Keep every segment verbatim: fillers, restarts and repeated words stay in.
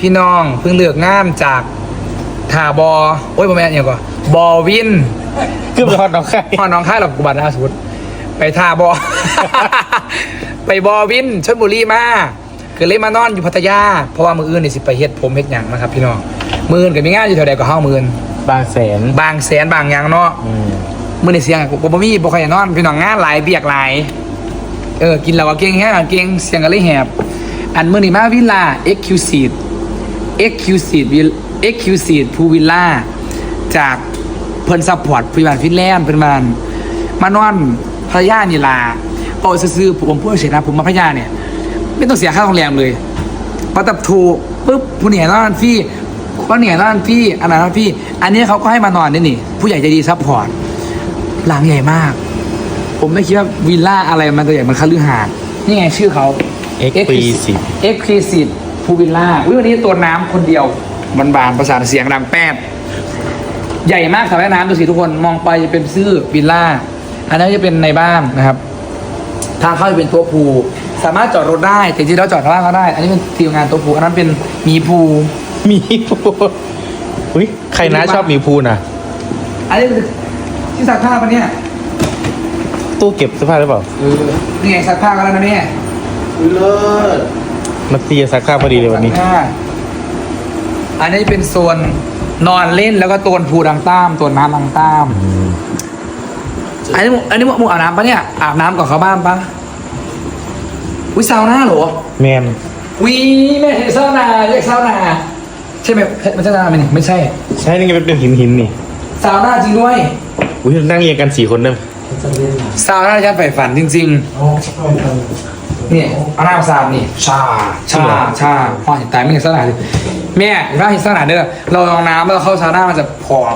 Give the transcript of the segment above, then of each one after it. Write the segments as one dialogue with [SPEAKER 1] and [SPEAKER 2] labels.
[SPEAKER 1] พี่น้องเพิ่งเลือกงานจากถาบอโอ้ยประมาณอย่างก่อนบอวิน
[SPEAKER 2] คือไปฮอดน้องไข่
[SPEAKER 1] พ่อน้องค่ายหรอกกุบัตรอาสุดไปทาบอ ไปบอวินชลบุรีมาคือเลยมานอนอยู่พัทยาเพราะว่ามืออื่นนี่สิไปเฮ็ดผมเฮ็ดหยังนะครับพี่น้องมืออื่นก็มีงานอยู่แถวใดก็เฮามืออื่น
[SPEAKER 2] บางแสน
[SPEAKER 1] บางแสนบางหยังเนาะ
[SPEAKER 2] อืม
[SPEAKER 1] มือในเสียงบ่บ่มีบ่ค่อยอยากนอนพี่น้องงานหลายเบียกหลายเออกินแล้วก็เก่งแฮงเก่งเสียงก็เลยแหบอันมื้อนี้มาวิลล่า Exclusive Exclusive Exclusive ภูวิลล่าจากเพิ่นซัพพอร์ตผู้บ้านฟินแลนด์เพิ่นมามานอนพัทยานี่ล่ะเอาซื่อๆผมพูดเฉยนะผมมาพัทยาเนี่ยไม่ต้องเสียค่าโรงแรมเลยพอตับถูกปุ๊บผู้เนี่ยนอนฟรีผู้เนี่ยนอนฟรีอันนั้นนอนฟรีอันนี้เขาก็ให้มานอนนี่นี่ผู้ใหญ่ใจดีซัพพอร์ตหลังใหญ่มากผมไม่คิดว่าวิลล่าอะไรมันตัวใหญ่มันคฤหาสน์นี่ไงชื่อเขา
[SPEAKER 2] Exclusive
[SPEAKER 1] Exclusive ภูวิลล่าวันนี้ตัวน้ำคนเดียวบานๆประสานเสียงดังแป๊ดใหญ่มากสระว่ายน้ำดูสิทุกคนมองไปจะเป็นชื่อวิลล่าอันนั้นจะเป็นในบ้านนะครับทางเข้าจะเป็นตัวภูสามารถจอดรถได้แต่จริงๆแล้วจอดข้างล่างก็ได้อันนี้เป็นทีมงานตัวภูอันนั้นเป็นหมีภู
[SPEAKER 2] หมีภูอุ้ยใครนะชอบหมีภูน่ะ
[SPEAKER 1] อันนี้คือที่ซักผ้าปะเนี่ย
[SPEAKER 2] ตู้เก็บเสื้อผ้าหรือเปล่า
[SPEAKER 1] เออนี่ไงซักผ้ากันแล้วนะเนี่ย
[SPEAKER 3] เลิศ
[SPEAKER 2] มาตีจะซักผ้าพอดีเลยวันนี้
[SPEAKER 1] ซักผ้าอันนี้เป็นโซนนอนเล่นแล้วก็ตัวภูดังต้ามตัวน้ำดังต้าม
[SPEAKER 2] อืม
[SPEAKER 1] อันนี้มึงอันนี้มึงอาบน้ำปะเนี่ยอาบน้ำก่อนเข้าบ้านปะวิซาวน่าเหรอ
[SPEAKER 2] แมน
[SPEAKER 1] วีไม่ใช่ซาวน่าเรียกซาวน่าใช่ไหมมันใช่ซาวน่าไหมนี่ไม่ใช่
[SPEAKER 2] ใช่นี่ไงเป็นหินหินๆนี่
[SPEAKER 1] ซาวน่าจริงด้วย
[SPEAKER 2] อุ้ยนั่งเรียงกันสี่คนเด้อ
[SPEAKER 1] ซาวน่าฉันใฝ่ฝันจริงๆนี่เอาน้ำซาวนี่ชาชาชาพอเห็นตายไม่เห็นซาวน่าเลยแม่ถ้าเห็นซาวน่าเด้อเราลองน้ำแล้วเข้าซาวน่ามันจะผอม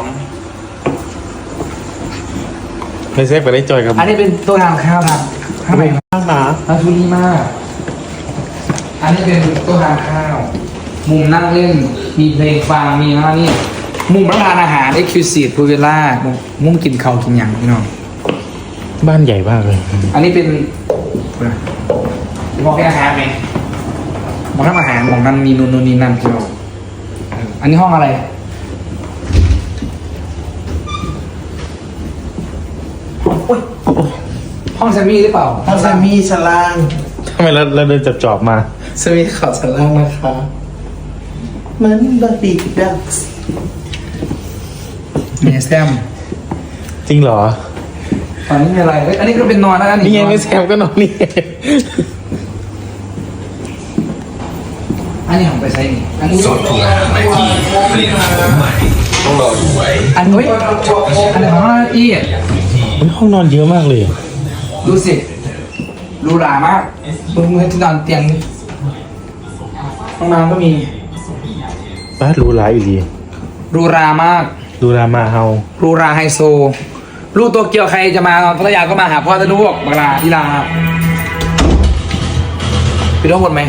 [SPEAKER 2] ไม่ใช่ไปได้จอยกับ
[SPEAKER 1] อันนี้เป็นตัวทางข้าวทางข้าวไหน
[SPEAKER 2] ข้างหนา
[SPEAKER 1] อาชุลีมาก อันนี้เป็นโต๊ะทานข้าว มุมนั่งเล่น มีเพลงฟัง มีอะไรนี่ มุมรับประทานอาหาร Exclusive พูเวล่ามุมมุมกินข้าวกินอย่างพี่น้อง
[SPEAKER 2] บ้านใหญ่มากเลย
[SPEAKER 1] อันนี้เป็นมองแค่อาหารไหมมองทำอาหารมองนั่นมีนู่นนู่นนี่นั่นพี่น้องเอออันนี้ห้องอะไร โอ๊ยห้องแซมมี่หรือเปล่า
[SPEAKER 3] ห้องแซมมี่ชั้นล่าง
[SPEAKER 2] ทำไมเราเราเดินจับจอบๆมา
[SPEAKER 3] แซมมี่ขอชั้นล่างนะคะเหมือนบาร์บี้ดักส์
[SPEAKER 1] มีแซม
[SPEAKER 2] จริงเหรอ
[SPEAKER 1] ตอนนี้มีอะไรเอ้ยอันนี้ก็เป็นนอนนะ
[SPEAKER 2] นี่ไง
[SPEAKER 1] นอน
[SPEAKER 2] ไม่แซมก็นอนนี่
[SPEAKER 1] อันนี้ของไปใช้นี่อันนี้
[SPEAKER 4] สดทุกอาหารในที่ผลิตภัณฑ์ใหม่ต้องรอดูไว้
[SPEAKER 1] อันนี้อันนี้ของห้านาที
[SPEAKER 2] มันห้องนอนเยอะมากเลย
[SPEAKER 1] ดูสิหรูหรามากมึงมึงที่นอนเตียงนี่ห้องน้ำก็มี
[SPEAKER 2] บ้านหรูหราอีหลี
[SPEAKER 1] หรูหรามาก
[SPEAKER 2] หรูหรามาเฮา
[SPEAKER 1] หรูหราไฮโซลูกตัวเกียวใครจะมาพัทยาก็มาหาพ่อจะลูกบังลาที่ลาครับไปดูข้างบนไหม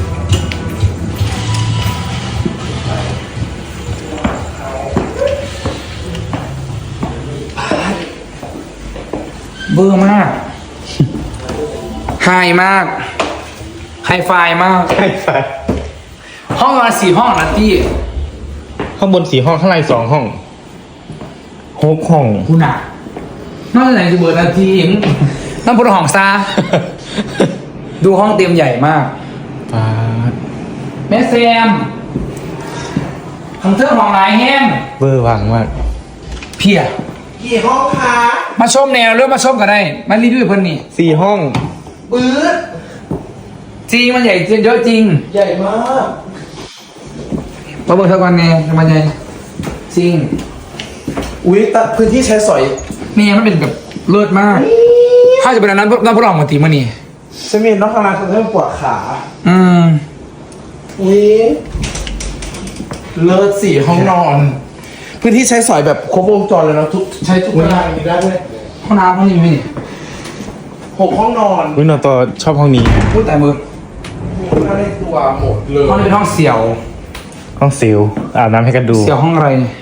[SPEAKER 1] เบอร์มาก ไฮมาก ไฮไฟมาก
[SPEAKER 2] ใช่ใช่
[SPEAKER 1] ห้องนอนสี่ห้องนะพี่
[SPEAKER 2] ข้างบนสี่ห้องข้างในสองห้องหกห้อง
[SPEAKER 1] คุณอ่ะนอกจากไหนจะเบิร์นาทีมต้องพูดห้องซา ดูห้องเต็มใหญ่มาก
[SPEAKER 2] ป้าด
[SPEAKER 1] แม่แซมของเธอห้องไหนแห้ง
[SPEAKER 2] เบอร์วางมาก
[SPEAKER 1] เพีย
[SPEAKER 3] กี่ห้องคะ
[SPEAKER 1] มาชมแนวหรือมาชมกันได้มารีวิวเพิ่นนี่
[SPEAKER 2] สี่ห้อง
[SPEAKER 3] ปื๊ด
[SPEAKER 1] จริงมันใหญ่จริงเยอะจริง
[SPEAKER 3] ใหญ่มาก
[SPEAKER 1] มาเบิ่งเท่ากันแน่มันใหญ่จริง
[SPEAKER 3] อุ้ยตัดพื้นที่ใช้สอย
[SPEAKER 1] เนี่ยมันเป็นแบบเลิศมาก ถ้าจะเป็นอันนั้นน้ำพุร้อนมาตีมานี่
[SPEAKER 3] ฉันมีน้องข้างล่างเขาเริ่มปวดขา
[SPEAKER 1] อืม
[SPEAKER 3] อุ้ยเลิศสี่ห้องนอน พื้นที่ใช้สอยแบบครบวงจรเลยนะทุกใช้ทุกเวลาอย่างนี้ได้ด้วย
[SPEAKER 1] ห้องน้ำห้องนี้มีนี่
[SPEAKER 3] หกห้องนอน
[SPEAKER 2] วินอนต่อชอบห้องนี้
[SPEAKER 1] พูดแต่มือ
[SPEAKER 3] มีผ้าในตัวหมดเลย
[SPEAKER 1] ห้องนี้เป็นห้องเสี่ยว
[SPEAKER 2] ห้องซิลอาบน้ำให้กันดู
[SPEAKER 1] เสี่ยวห้องอะไรเนี่ย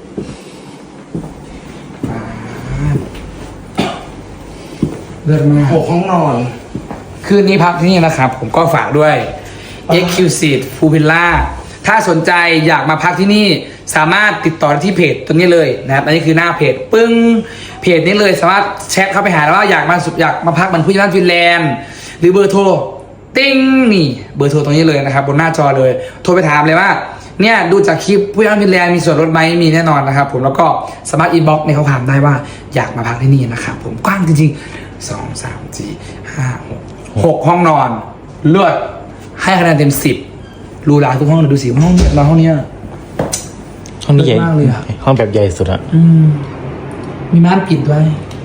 [SPEAKER 1] เลิศมาก
[SPEAKER 3] หกห้องนอน
[SPEAKER 1] คืนนี้พักที่นี่นะครับ ผมก็ฝากด้วย Exclusive ภูวิลล่าถ้าสนใจอยากมาพักที่นี่สามารถติดต่อที่เพจตรงนี้เลยนะครับอันนี้คือหน้าเพจปึ้งเพจนี้เลยสามารถแชทเข้าไปหาแล้วว่าอยากมาอยากมาพักเหมือนผู้ใหญ่บ้านฟินแลนด์หรือเบอร์โทรติ้งนี่เบอร์โทรตรงนี้เลยนะครับบนหน้าจอเลยโทรไปถามเลยว่าเนี่ยดูจากคลิปผู้ใหญ่บ้านฟินแลนด์มีส่วนลดไหมมีแน่นอนนะครับผมแล้วก็สามารถอินบ็อกซ์ในข้อความได้ว่าอยากมาพักที่นี่นะครับผมกว้างจริงๆสองสามสี่ห้าหกหกห้องนอนเลือดให้คะแนนเต็มสิบรูหราทุกห้องเลยดูสิห้องนี้นอนห้องเนี้ย
[SPEAKER 2] ห้องนี้ใหญ่
[SPEAKER 1] เลิศมากเลยอะ
[SPEAKER 2] ห้องแบบใหญ่สุดอะ
[SPEAKER 1] อืมมีม่านปิดด้วย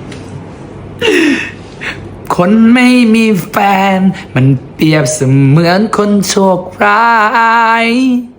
[SPEAKER 1] คนไม่มีแฟน มันเปรียบเสมือนคนโชคร้าย